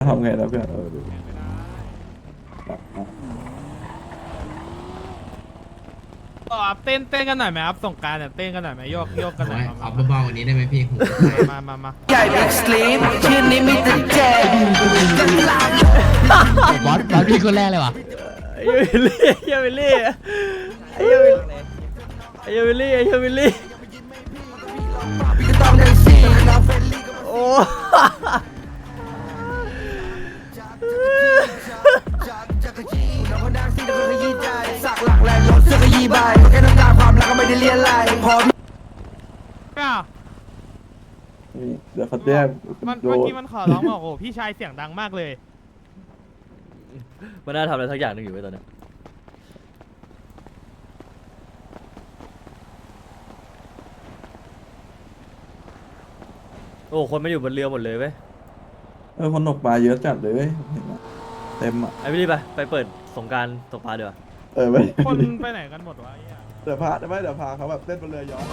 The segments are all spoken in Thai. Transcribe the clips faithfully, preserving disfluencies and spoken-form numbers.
ทำไงแล้วเพื่อนเออดูต่อครับเต้นเต้นกันหน่อยไหมครับสงกรานต์เนี่ยเต้นกันหน่อยไหมโยกโยกกันหน่อยโอ้ยมาเอามาเบาๆกว่านี้ได้ไหมพี่หูมามามาใหญ่บิ๊กสลีปชื่อนี้มีแต่แจกบอสบอสพี่คนแรกเลยว่ะไอ้เยวิลลี่ไอ้เยวิลลี่ไอ้เยวิลลี่ไอ้เยวิลลี่ไอ้เยวิลลี่ก็ต้องได้สี่เราเฟรนลี่ก็โอ้จักรจีเราคนดังสิเราก็ขยี้ใจสักหลักแรงรถเสื้อขยี้ใบแค่น้ำตาความรักก็ไม่ได้เลียนไหลพออ้าวนี่เดี๋ยวเขาแจ้งมันโดเมื่อน กี้มันขอร้องบอกโอ้พี่ชายเสียงดังมากเลยมันน่าทำอะไรสักอย่างหนึงอยู่ไว้ตอนเนี้ยโอ้คนมาอยู่บนเรือหมดเลยเว้ยเออคนตกปลาเยอะจัดเลยเว้ยเห็นไหมเต็มอ่ะไอ้วิลลี่ไปไปเปิดสงกรารตกปลาดีกว่าเออไม่คนไปไหนกันหมดวะไอ้เหี้ยเดี๋ยวพาไม่เดี๋ยวพาเขาแบบเต้นบนเรือย้อน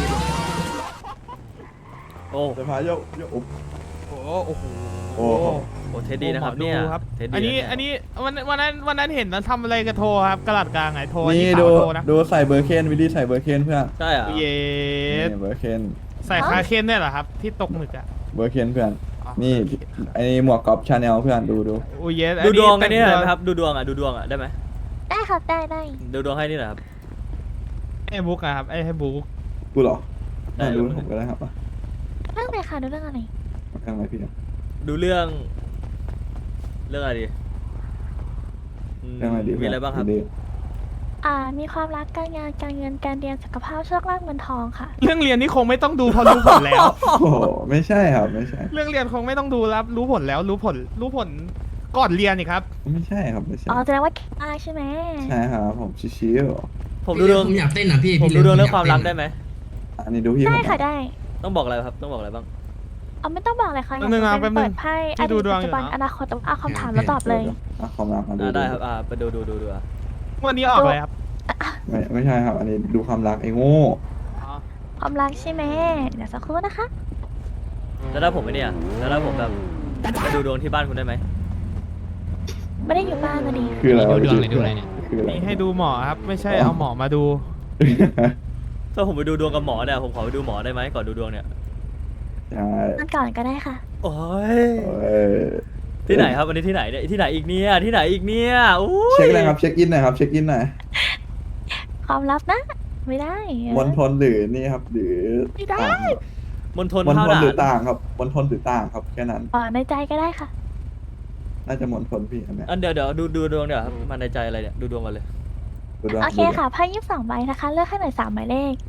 โอ้เดี๋ยวพาโยกโยกอุ๊บโอ้โอ้โหโอ้โหโอ้เท็ดดี้นะครับหมอเนี่ยครับเท็ดดี้อันนี้ะเยอันนี้วันวันนั้นวันนั้นเห็นมันทำอะไรกับโทรครับกระดาษกลางไงโทรอันี่สาดูวโทรนะดูใส่เบอร์เคนวิลลี่ใส่เบอร์เคนเพื่อนใช่เหรอ่ะเยสนี่เบอร์เคนใส่คาเคนเนี่ยเหรอครับที่ตกหมึกอ่ะเบอร์เคนเพื่อนอ๋อนี่ไอ้หมวกกอล์ฟชาแนลเพื่อนดูดูโอ้เยสดูดวงไอ้นี่หน่อยไหมแต่ครับดูดวงอ่ะดูดวงอ่ะได้ไหมได้ครับได้ได้ดูดวงให้นี่หน่อยครับไอ้บุ๊กอะครับไอ้ให้บุ๊กกูเหรอได้อ่ะดูผมก็ได้ครับอ่ะเรื่องอะไรคะดูเรื่องอะไรมากันอะไรพี่เนี่ยดูเรื่อง เรื่องอะไรดีอืมเรื่องอะไรดีมีอะไรบ้างครับดีอ่ามีความรักการงานการเงินการเรียนสุขภาพโชคลาภเงินทองค่ะเรื่องเรียนนี่คงไม่ต้องดูเพอรู้ผลแล้วโอ้โหไม่ใช่ครับไม่ใช่เรื่องเรียนคงไม่ต้องดูแล้วรู้ผลแล้วรู้ผลรู้ผลก่อนเรียนนี่ครับไม่ใช่ครับไม่ใช่อ๋อแสดงว่าเก่งมากใช่ไหมใช่ครับผมชิวผมดูดวงผมอยากเต้นนะพี่ผมพี่ดูดวงเรื่องยความรักได้ต้นไหมๆอันนี้ดูพี่ได้ผมค่ะได้ต้องบอกอะไรครับต้องบอกอะไรบ้างเอาไม่ต้องบอกเลยค่ะแป๊บนึงนะอยากจะแป๊บนึงเปิดไพ่อที่ดีดูตดวงปัจจุบันอยู่นะอนาคตแต่ว่าเอาคำถามแล้วตอบเลยอ่ะความรักมาดูอ่าได้ครับอ่าไปดูดูดูดูอ่ะวันนี้ออกเลยครับไม่ไม่ใช่ครับ อันนี้ดูความรักไอ้โง่อ๋อความรักใช่ไหมเดี๋ยวสักครู่นะคะแล้วถ้าผมไม่เนี่ยแล้วถ้าผมแบบไปดูดวงที่บ้านคุณได้ไหมไม่ได้อยู่บ้านนะดิคืออะไรดูดวงอะไรดูอะไรเนี่ยคืออะไรนี่ให้ดูหมอครับ ไม่ใช่เอาหมอมาดูถ้าผมไปดูดวงกับหมอเนี่ยผมขอไปดูหมอได้ไหมก่อนดูดวงเนี่ยใช่นั่นก่อนก็ได้ค่ะโอ้ยเออที่ไหนครับวันนี้ที่ไหนเนี่ยที่ไหนอีกเนี่ยที่ไหนอีกเนี่ยอุ้ยเช็คเลยครับเช็คอินหน่อยครับเช็คอินหน่อยความลับนะ ไม่ได้มณฑลหรือนี่ครับ หรือไม่ได้ต่างครับมณฑลมณข้าวฑลด่าหรือน ต่างครับมณฑลหรือต่างครับแค่นั้นอ๋อในใจก็ได้ค่ะน่าจะมณฑลพี่อันเนี้ยอันเดี๋ยวเดี๋ยวดูดูดวงเดี๋ยวครับมาในใจอะไรเนี่ยดูดวงกันเลยดูดวงโอเคค่ะไพ่ยี่สิบสองใบนะคะ เลือกให้หน่อยสามหมายเลข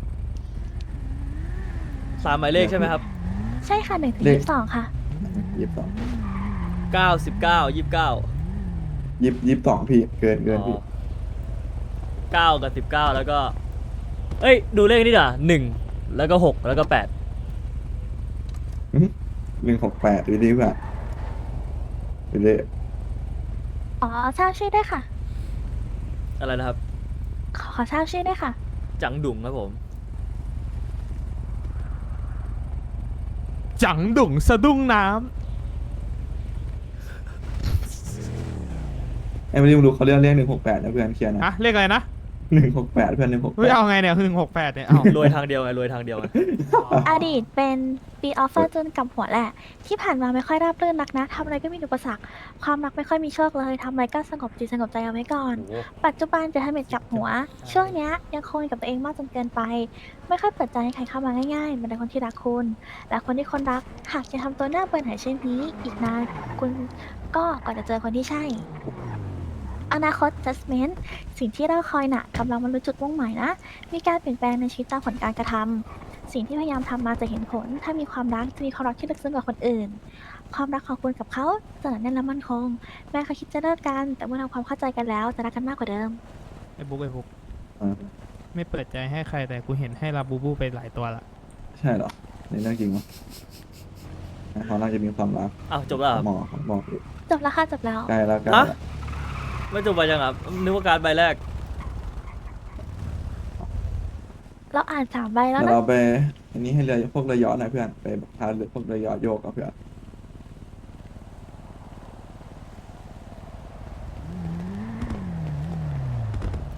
สามหมายเลขใช่ไหมครับใช่ค่ะหนึ่งถึงยี่สิบสองค่ะยี่สิบสองเก้าสิบเก้ายี่สิบเก้ายี่สิบยี่สิบสองพี่เกินเกินพี่เก้ากับสิบเก้าแล้วก็ เอ้ย ดูเลขนี่ด่ะหนึ่งแล้วก็หกแล้วก็แปดหนึ่งหกแปดวิลลี่เพื่อนวิลลี่อ๋อทราบชื่อได้วยค่ะอะไรนะครับขอขอทราบชื่อได้วยค่ะจังดุงครับผมจังดุ่งสะดุ้งน้ไอ้วิลลี่มึงดูเขาเรียกเรียกหนึ่งหกแปดนะเพื่อนเคลียร์ำนะฮะเลขอะไรนะหนึ่งหกแปดเพื่อนหนึ่งหกเฮ้แปยดเอาไงเนี่ยคือหนึ่งหกแปดเนี่ยเอารวยทางเดียวไงรวยทางเดียวไงอดีตเป็นปีออฟเฟอร์จนกับหัวแหละ ที่ผ่านมาไม่ค่อยราบรื่นนักนะทำอะไรก็มีอุปสรรค ความรักไม่ค่อยมีโชคเลยทำอะไรก็สงบจิตสงบใจเอาไว้ก่อนโอ้โหปัจจุบันจะทำเม็ดจับหัว ช่วงเนี้ยยังคงอยู่กับตัวเองมากจนเกินไป ไม่ค่อยเปิดใจให้ใครเข้ามาง่ายๆเหมือนในคนที่รักคุณ และคนที่คนรักหากจะทำตัวหน้าเบื่อหน่ายเช่นนี้ อีกนานคุณก็กว่าจะเจอคนที่ใช่ อนาคต judgment สิ่งที่เราคอยน่ะกำลังบรรลุจุดมุ่งหมายนะ มีการเปลี่ยนแปลงในชีวิตตามผลการกระทำสิ่งที่พยายามทำมาจะเห็นผล ถ้ามีความรักจะมีความรักที่ลึกซึ้งกว่าคนอื่น ความรักของคุณกับเขาจะหนาแน่นและมั่นคง แม้เขาคิดจะเลิกกัน แต่เมื่อทำความเข้าใจกันแล้วจะรักกันมากกว่าเดิมไอ้บุ๊กไอ้บุ๊กอ่าไม่เปิดใจให้ใครแต่กูเห็นให้ลาบูบูไปหลายตัวละใช่เหรอนี่เรื่องจริงเหรอเขาน่าจะมีความรักอ้าวจบแล้วเหรอหมอเขาบอกอยู่จบแล้วค่ะจบแล้วใกล้แล้วใกล้ฮะแล้วไม่จบไปยังครับนึกว่าการดใบแรกเราอ่านสามใบแล้วเดี๋ยวนะเราไปอันนี้ให้เรือพวกเรือยอชต์หน่อยเพื่อนไปพาเรือพวกเรือยอชต์โยกกับเพื่อน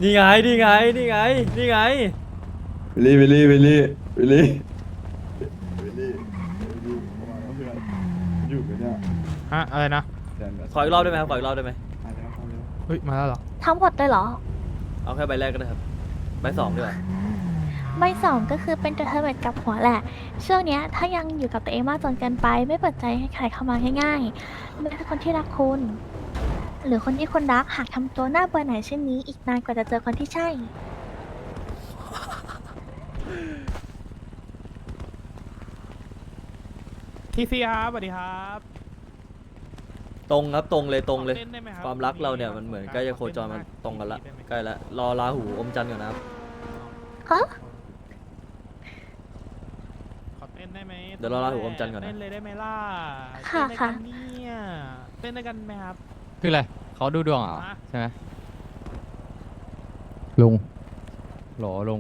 นี่ไงนี่ไงนี่ไงนี่ไงวิลลี่วิลลี่วิลลี่วิลลี่วิลลี่วิลลี่ประมาณว่าเพื่อนอยู่กันเนี่ยฮะอะไรนะแดนแบบขออีกรอบได้ไหมครับขออีกรอบได้ไหมมาแล้วมาแล้วเฮ้ยมาแล้วเหรอทั้งหมดเลยเหรอเอาแค่ใบแรกก็ได้ครับใบสองดีกว่าใบสองก็คือเป็นตัวเธอเหมือนกับหัวแหละ ช่วงเนี้ยถ้ายังอยู่กับตัวเองมากจนเกินไป ไม่เปิดใจให้ใครเข้ามาง่ายๆไม่ใช่คนที่รักคุณ หรือคนที่คุณรักหากทำตัวหน้าเบื่อหน่ายเช่นนี้ อีกนานกว่าจะเจอคนที่ใช่ทีซีครับสวัสดีครับตรงครับตรงเลยตรงเลยขอต้นได้ไหบความรักเราเนี่ยมันเหมือนใกล้จะโคจรมันตรงกันละใกล้ละรอราหูอมจันทร์ก่อนนะครับฮะขอเต้นได้ไหมเดี๋ยวรอราหูอมจันทร์ก่อนนะเต้นเลยได้ไหมล่ะค่ะเต้นด้วยค่ะกันเนี่ยเต้นด้วยกันไหมครับคืออะไรเขาดูดวงเหรอฮะใช่ไหมลุงโหลลุง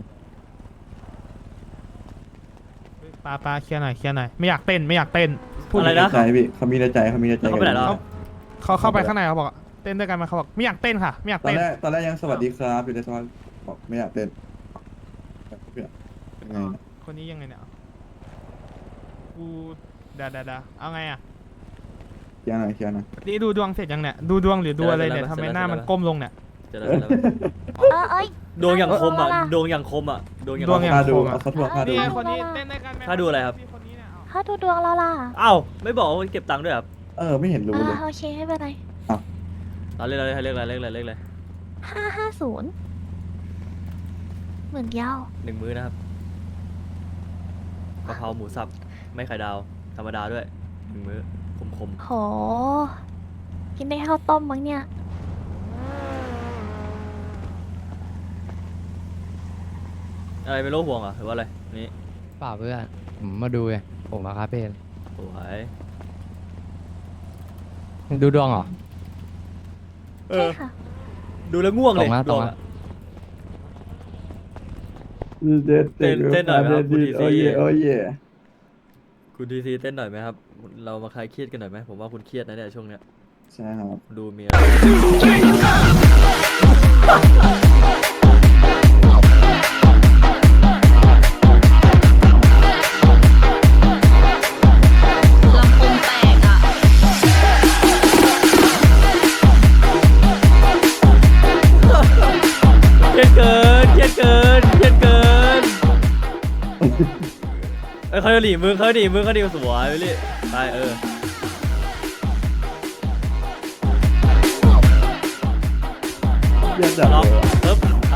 เฮ้ยปาปาเคลียร์หน่อยเคลียร์หน่อยไม่อยากเต้นไม่อยากเต้นพูดอะไรในนะใจพี่เขามีในใจเขามีในใจเขาไปไหนแล้วเขาเข้าไปข้างในเขาบอกเต้นด้วยกันไหมเขาบอกไม่อยากเต้นค่ะไม่อยากตอนเต้นแรกตอนแรกยังสวัสดีครับอยู่ในตอนบอกไม่อยากเต้นเพื่อนเป็นไงนะคนนี้ยังไงเนี่ยกูดาดาดาเอาไงอ่ะเคลียร์หน่อยเคลียร์หน่อยนี่ดูดวงเสร็จยังเนี่ยดูดวงหรือดูอะไรเนี่ยทำไมหน้ามันก้มลงเนี่ยเจอแล้วเจอแล้วเออเอ้ยดวงอย่างคมอ่ะเอาละดวงอย่างคมอ่ะดวงอย่างดวงคอย่มงค่าดูโคมอะเอาเขาทวงค่าดูนี่ไงคนนี้เต้นด้วยกันไหมถ้าดูอะไรครับพี่คนนี้เนี่ยเอาถ้าดูดวงเราล่ะอ้าวไม่บอกว่าเก็บตังค์ด้วยครับเออไม่เห็นรู้อ่าเลยโอเคไม่เป็นไรเราเรียกอะไรเรียกอะไรเรียกอะไรเรียกอะไรห้าห้าศูนย์หมื่นเดียวหนึ่งมื้อนะครับกะเพราหมูสับไม่ไข่ดาวธรรมดาด้วยหนึ่งมื้อคมคมโห กินได้ข้าวต้มมั้งเนี่ยๆอะไรไม่รู้ห่วงเหรอ่ะหรือว่าอะไรนี่เปล่าเพื่อนผมมาดูไงผมมาคาเฟ่สวยดูดวงเหรอเอใช่อค่ะดูแล้วง่วงเลยตรงนะตรงนะลอะ เต้นเต้นหน่อยไหมครับคุณดีซีโอ้ยโอ้ยคุณดีซีเต้นหน่อยไหมครับ เรามาคลายเครียดกันหน่อยไหมผมว่าคุณเครียดนะเนี่ยช่วงเนี้ยใช่ครับดูมีอะไรลำโพงแตกอ่ะเครียดเกินเครียดเกินเครียดเกินเอ้ยเขาจะหนีมือเขาจะหนีมือเขาดีสวยไปเลยไปเออเยี่ยมจัดล็อกเลยปึ๊บอ้าว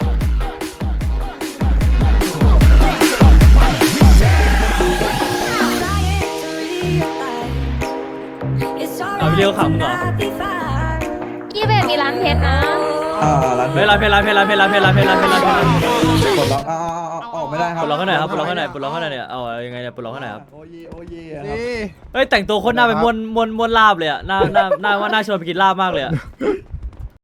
เอาวิดีโอขำเหรอกี้เบมีร้านเพชรนะอ่าร้านเฮ้ยลาเพลลาเพลลาเพลลาเพลลาเพลลาเพลลาเพลลาปลดล็อกอ่าออกไม่ได้คปรับลดล็อกข้างไหนครับปลดล็อกข้างไหนปลดล็อกข้างไหนเนี่ยเอายังไงเนี่ยปลดล็อกข้างไหนครับโอ้ยโอ้ยครับเฮ้ยแต่งตัวโคนหน้าเป็นมวนมวนมวนลาบเลยอะหน้าหน้าหน้าว่าหน้าชวนไปกินลาบมากเลยอะ